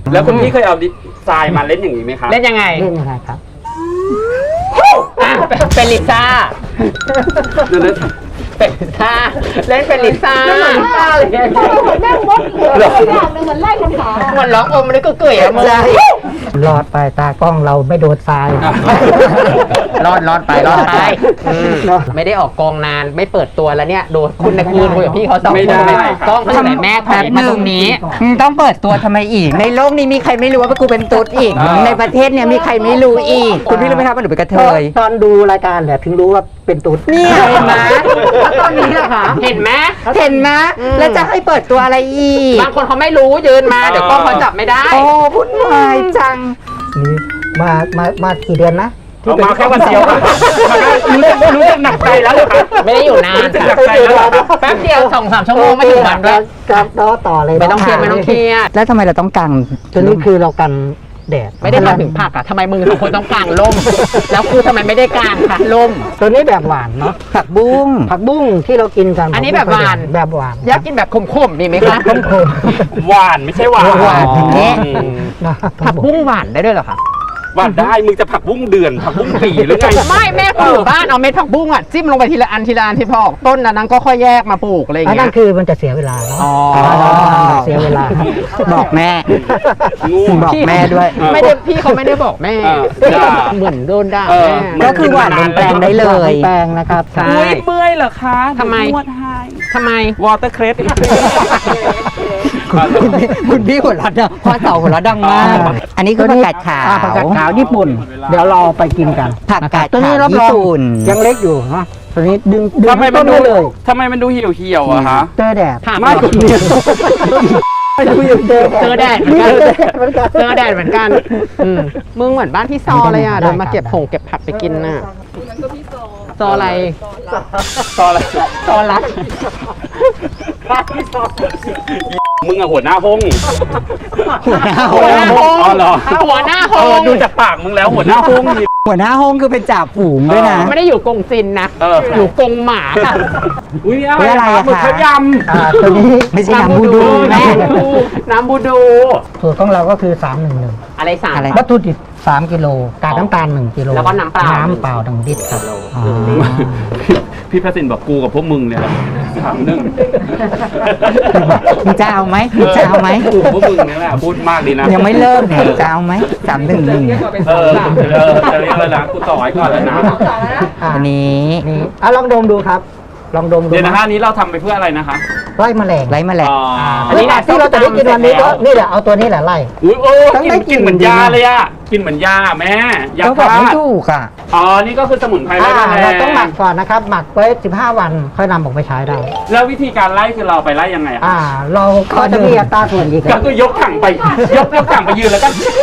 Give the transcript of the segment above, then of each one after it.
แล้วคุณพี่เคยเอาทรายมาเล่นอย่างนี้ไหมครับเล่นยังไงเล่นยังไงครับเป็นลิซ่าเป็นลิซ่าเล่นเป็นลิซ่าลิซ่าเลยเหมือนแม่มดอย่างนึงเหมือนไล่คำถามเหมือนร้องอมมันก็เกยอะมึงรอดไปตากล้องเราไม่โดนทรายรอดไปไม่ได้ออกกองนานไม่เปิดตัวแล้วเนี่ยโดนคุณนะคุยกับพี่เขาสองคนกล้องทำไมแม่แป๊บนึงนี้ต้องเปิดตัวทำไมอีกในโลกนี้มีใครไม่รู้ว่ากูเป็นตุ๊ดอีกในประเทศเนี่ยมีใครไม่รู้อีกคุณพี่รู้ไหมครับว่าหนูเป็นกระเทยตอนดูรายการแหละถึงรู้ว่าเป็นตุ๊ดเนี่ยเห็นไหมตอนนี้นะคะเห็นไหมแล้วจะให้เปิดตัวอะไรอีกบางคนเขาไม่รู้ยืนมาเดี๋ยวกล้องเขาจับไม่ได้โอ้พุ่นวายจังนี่มากี่เดือนนะเอามาแค่วันเดียวครับรู้สึกหนักใจแล้วเหรอครับไม่ได้อยู่นานรู้สึกหนักใจแล้วเหรอครับแป๊บเดียว2-3 ชั่วโมงไม่ถึงวันด้วยครับต่อเลยไม่ต้องเครียดแล้วทำไมเราต้องกางตัวนี้คือเรากันแดดไม่ได้ทำถึงผักอะทำไมมึงสองคนต้องกางร่มแล้วคือทำไมไม่ได้กางคะร่มตัวนี้แบบหวานเนาะผักบุ้งผักบุ้งที่เรากินกันอันนี้แบบหวานแบบหวานอยากกินแบบขมๆมีไหมคะขมหวานไม่ใช่หวานหวานอย่างนี้ๆนะผักบุ้งหวานได้ด้วยเหรอคะหวานได้มึงจะผักบุ้งเดือนผักบุ้งปีหรือไงไม่แม่คนอยู่บ้านเอาเม็ดผักบุ้งอ่ะจิ้มลงไปทีละอันที่พอออกต้นนั้นก็ค่อยแยกมาปลูกอะไรอย่างอันเงี้นั้ยนคือมันจะเสียเวลาเนาะอ๋อเสียเวลาบอกแม่งูบอกแม่ด้วยไม่ได้พี่เขาไม่ได้บอกแม่เหมือนโดนด่าแม่ก็คือหวานลงแปลงได้แปลงนะครับใช่อุ้ยเมื่อยเหรอคะทำไมนวดให้ทำไมวอเตอร์เครสคุณพี่หัวเราะเนี่ยพ่อเสาหัวเราะดังมาก อันนี้คือผักกาดขาวผักกาดขาวญี่ปุ่น เดี๋ยวเราไปกินกันผักกาดตัวนี้ขาวรับญี่รองปุ่นยังเล็กอยู่เนาะตัวนี้ดึงทำไมมันต้ดูได้เลยทำไมมันดูเหี่ยวๆอะฮะเจอแดดไม่ไม่ดูอยู่เจอเจอแดดเหมือนกันเจอแดดเหมือนกันมึงเหมือนบ้านพี่ซอเลยอ่ะเดินมาเก็บผักไปกินน่ะซออะไรตอนอะไรซอรักมึงอะหัวหน้าห้องหัวหน้าห้องอ๋อเหรอหัวหน้าห้องดูจากปากมึงแล้วหัวหน้าห้องนี่หัวหน้าห้องคือเป็นจ่าฝูงด้วยนะไม่ได้อยู่กงซินนะอยู่กงหมาค่ะอุ้ยอะไรอะหมึกขยำตัวนี้ไม่ใช่น้ำบูดูแม่น้ำบูดูสูตรของเราก็คือ311 อะไรสั่งวัตถุดิบ3 กิโลกากน้ำตาล1 กิโลแล้วก็น้ำเปล่าน้ำเปล่า1 ลิตรครับพี่พระสินบอกกูกับพวกมึงเนี่ยถามหนึ่งมึงจะเอาไหมมึงจะเอาไหมกูกับพวกมึงเนี่ยแหละพูดมากดีนะยังไม่เลิกเนี่ยจะเอาไหม311 จะเรียกแล้วนะกูต่อไว้ก่อนแล้วนะอันนี้นี่ลองดมดูครับ ลองดมดูเดี๋ยวนะฮะนี้เราทำไปเพื่ออะไรนะคะไล่แมลงไร้แมลงอันนี้นะที่เราจะได้กินวันนี้ก็นี่แหละเอาตัวนี้แหละไล่อุ้ยโอ้ต้องได้กินเหมือนยาเลยอะกินเหมือนยาแม่ยาก็บอกฆ่าไม่ถูกอ่ะอ๋อนี่ก็คือสมุนไพรไล่แมลงเราต้องหมักก่อนนะครับ หมักไว้15 วันค่อยนำออกไปใช้ได้แล้ววิธีการไล่คือเราไปไล่ยังไงอะเราก็จะมีอัตราส่วนอีกก็คือยกถังไปยกถังไปยืนแล้วก็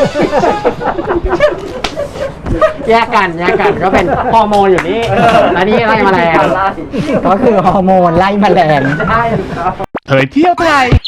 แยกกันก็เป็นฮอร์โมนอยู่นี่อันนี้ไล่แมลงก็คือฮอร์โมนไล่แมลงเผยเที่ยวไทย